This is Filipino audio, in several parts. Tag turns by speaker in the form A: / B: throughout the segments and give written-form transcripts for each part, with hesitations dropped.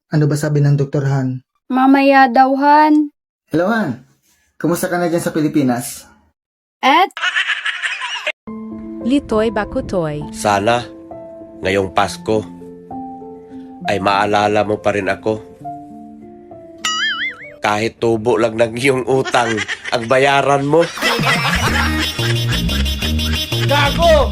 A: Ano ba sabi ng Dr. Han?
B: Mamaya daw, Han.
A: Hello, Han. Kumusta ka na dyan sa Pilipinas?
B: At
C: Litoy Bakutoy.
D: Sana, ngayong Pasko, ay maalala mo pa rin ako. Kahit tubo lang ng iyong utang, ang bayaran mo. Gago!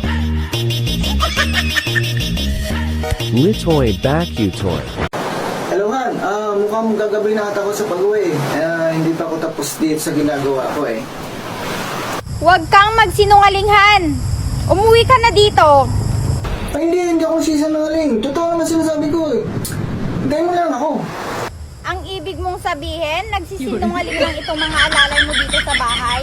E: Litoy Bakutoy.
A: Hello, Han. Mukhang gagabi na ata ako sa pag-uwi. Hindi pa ako tapos dito sa ginagawa ko eh.
B: huwag kang magsinungaling, Han. Umuwi ka na dito.
A: Ay, hindi ako sisinungaling. Totoo naman sinasabi ko eh. Hintayin mo lang ako.
B: Ang ibig mong sabihin, nagsisinungaling lang itong mga alalay mo dito sa bahay?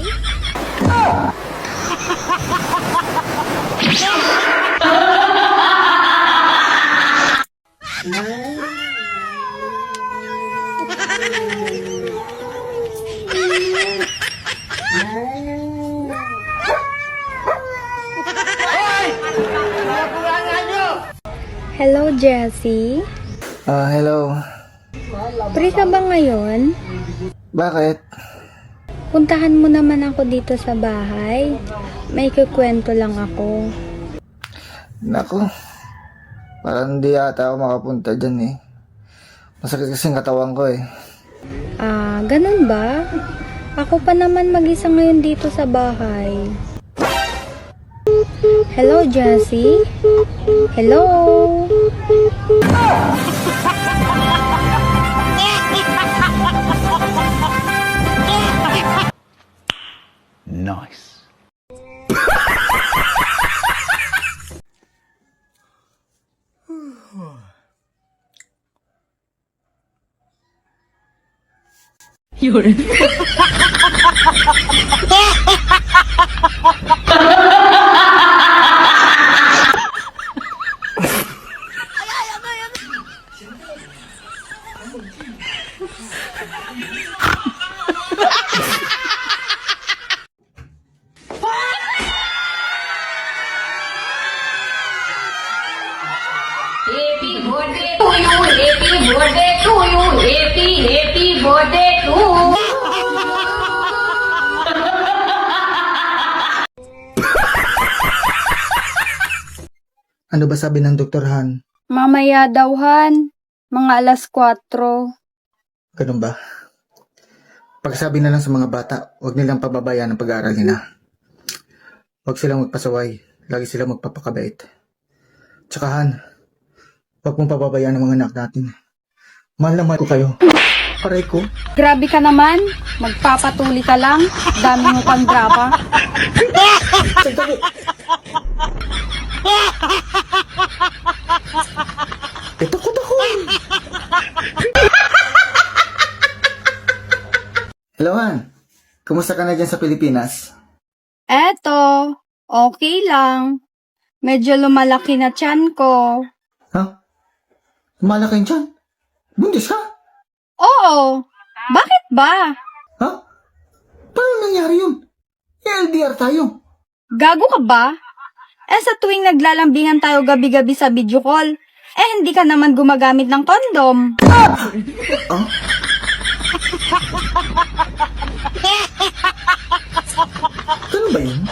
B: Hello, Jessie.
A: Hello.
B: Free ka ba ngayon?
A: Bakit?
B: Puntahan mo naman ako dito sa bahay. May kukwento lang ako.
A: Naku. Parang hindi ata ako makapunta dyan eh. Masakit kasi ang katawan ko eh.
B: Ganun ba? Ako pa naman mag-isa ngayon dito sa bahay. Hello, Jessie? Hello?
E: Nice.
F: Happy birthday to you, happy birthday to you, happy birthday to you.
A: Ano ba sabi ng Dr. Han?
B: Mamaya daw, Han. Mga alas 4.
A: Ganun ba? Pagsabi na lang sa mga bata, huwag nilang pababayaan ang pag-aaral nila. Huwag silang magpasaway. Lagi silang magpapakabait. Tsaka Han, huwag mong pababayaan ang mga anak natin. Mahal na mahal ko kayo. Aray ko.
B: Grabe ka naman. Magpapatuli ka lang. Dami mo pang drama.
A: Takot ako. Hello, Han. Kumusta ka na dyan sa Pilipinas?
B: Eto, okay lang. Medyo lumalaki na tiyan ko.
A: Ha? Malaki yung tiyan? Buntis ka?
B: Oo. Bakit ba?
A: Ha? Paano nangyari yun? LDR tayo.
B: Gago ka ba? Sa tuwing naglalambingan tayo gabi-gabi sa video call, hindi ka naman gumagamit ng kondom.
A: Ah? Ano ba yun?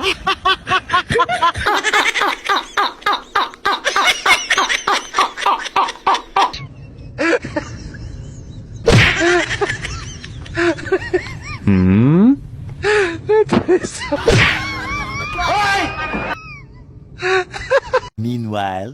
E: Meanwhile.